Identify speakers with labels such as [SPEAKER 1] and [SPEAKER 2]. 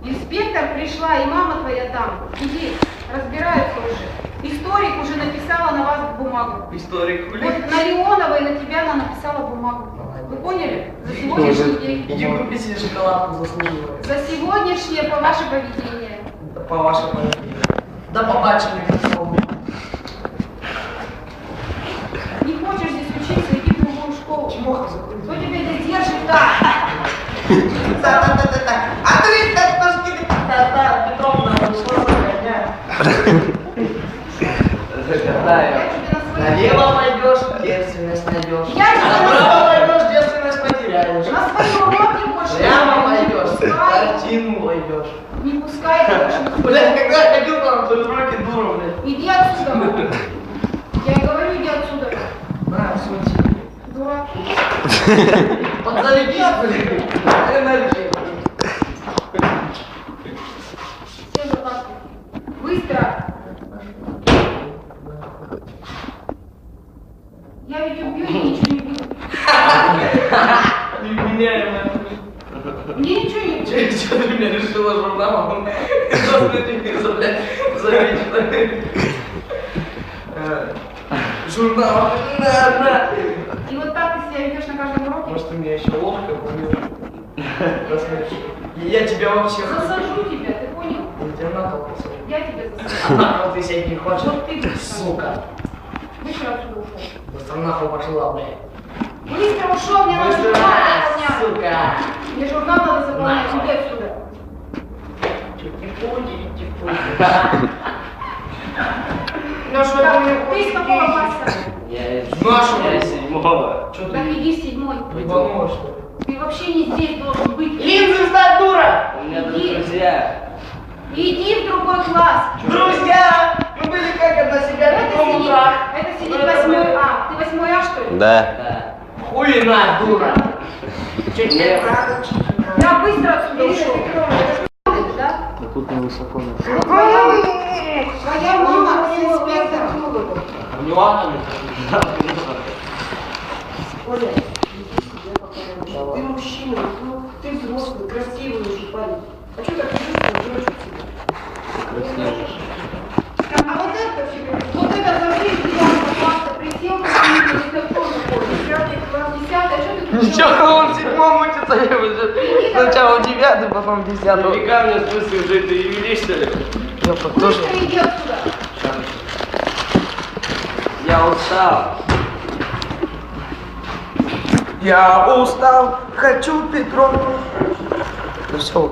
[SPEAKER 1] Инспектор пришла, и мама твоя там. Иди, разбираются уже. Историк уже написала на вас бумагу.
[SPEAKER 2] Историк хули?
[SPEAKER 1] Вот на Леоновой на тебя она написала бумагу. Вы поняли? За сегодняшний день.
[SPEAKER 2] Иди купи себе шоколадку, заслуживает.
[SPEAKER 1] За сегодняшнее по ваше поведение.
[SPEAKER 2] Да по вашему поведению. Да побачили, как слово.
[SPEAKER 1] Не хочешь здесь учиться, иди в другую школу.
[SPEAKER 2] Чмоха закрыть.
[SPEAKER 1] Кто тебя здесь держит так?
[SPEAKER 2] Да. А ты как ножки да, Петровна, ушла загоняя. Загадаю. Налево пойдешь, девственность найдешь. Направо пойдешь, девственность потеряешь.
[SPEAKER 1] На своем уроке больше.
[SPEAKER 2] Прямо пойдешь,
[SPEAKER 1] не пускай.
[SPEAKER 2] картину войдешь.
[SPEAKER 1] Не пускай больше.
[SPEAKER 2] Блядь, когда я ходил там, то уроки дура, блядь.
[SPEAKER 1] Иди отсюда. Я и говорю, иди отсюда.
[SPEAKER 2] На, сунь.
[SPEAKER 1] Дурак.
[SPEAKER 2] Подзалепись, блядь. Энергия.
[SPEAKER 1] Все за так. Быстро. Я ведь убью и ничего не буду.
[SPEAKER 2] Невменяемая.
[SPEAKER 1] Мне ничего не будет.
[SPEAKER 2] Что ты меня решила журналом? Что ты тебе, блядь, заметила? Журнал. На.
[SPEAKER 1] И вот так ты себя ведешь на каждом уроке?
[SPEAKER 2] Может, ты меня еще ложкой помнишь? Я тебя вообще...
[SPEAKER 1] Засажу тебя, ты понял?
[SPEAKER 2] Я тебя на пол посажу.
[SPEAKER 1] Я тебя засажу.
[SPEAKER 2] На пол ты сядь не хочешь?
[SPEAKER 1] Вот ты будешь.
[SPEAKER 2] Сука.
[SPEAKER 1] Быстро отсюда ушел.
[SPEAKER 2] Быстро нахуй пошла, блядь.
[SPEAKER 1] Быстро ушел, мне надо
[SPEAKER 2] Быстро,
[SPEAKER 1] журнал заполнять.
[SPEAKER 2] сука.
[SPEAKER 1] Мне журнал надо заполнять,
[SPEAKER 2] Нахуй.
[SPEAKER 1] иди отсюда.
[SPEAKER 2] Типу-типу.
[SPEAKER 1] Ну что, ты из какого класса?
[SPEAKER 3] Я из
[SPEAKER 2] Нашего.
[SPEAKER 3] седьмого.
[SPEAKER 2] Что
[SPEAKER 1] Так
[SPEAKER 2] ты?
[SPEAKER 1] иди в седьмой.
[SPEAKER 2] Ебанула, что ли?
[SPEAKER 1] Ты вообще не здесь должен быть.
[SPEAKER 2] Линзы сдать, дура!
[SPEAKER 3] У меня тут
[SPEAKER 1] Иди.
[SPEAKER 3] друзья.
[SPEAKER 1] Иди в другой класс.
[SPEAKER 2] Друзья! Мы были как одна себя
[SPEAKER 1] Это
[SPEAKER 2] в
[SPEAKER 1] сидит,
[SPEAKER 2] утрах.
[SPEAKER 1] это сидит 8 А. Ты 8 А, что ли?
[SPEAKER 4] Да.
[SPEAKER 3] Да.
[SPEAKER 2] Хуйна, дура! Че тебе
[SPEAKER 3] Нет.
[SPEAKER 2] надо?
[SPEAKER 1] Я быстро отсюда ушел. Это ж да?
[SPEAKER 4] Да тут невысоко.
[SPEAKER 1] Твоя мама инспектор.
[SPEAKER 3] Не ладно.
[SPEAKER 1] Оля, ты мужчина, ну, ты взрослый, красивый уже парень. А что так красивый? А вот это за жизнь 9 класса присел, это кто заходит? 5 класс, 10, а что ты
[SPEAKER 2] Ничего, он в седьмом учится, я уже сначала в девятый, потом в десятый.
[SPEAKER 3] Нафига мне в смысле уже ты юрий, что ли?
[SPEAKER 2] Я тоже.
[SPEAKER 1] Быстро иди отсюда.
[SPEAKER 3] Я устал.
[SPEAKER 2] Я устал, хочу Петровну. Ну все.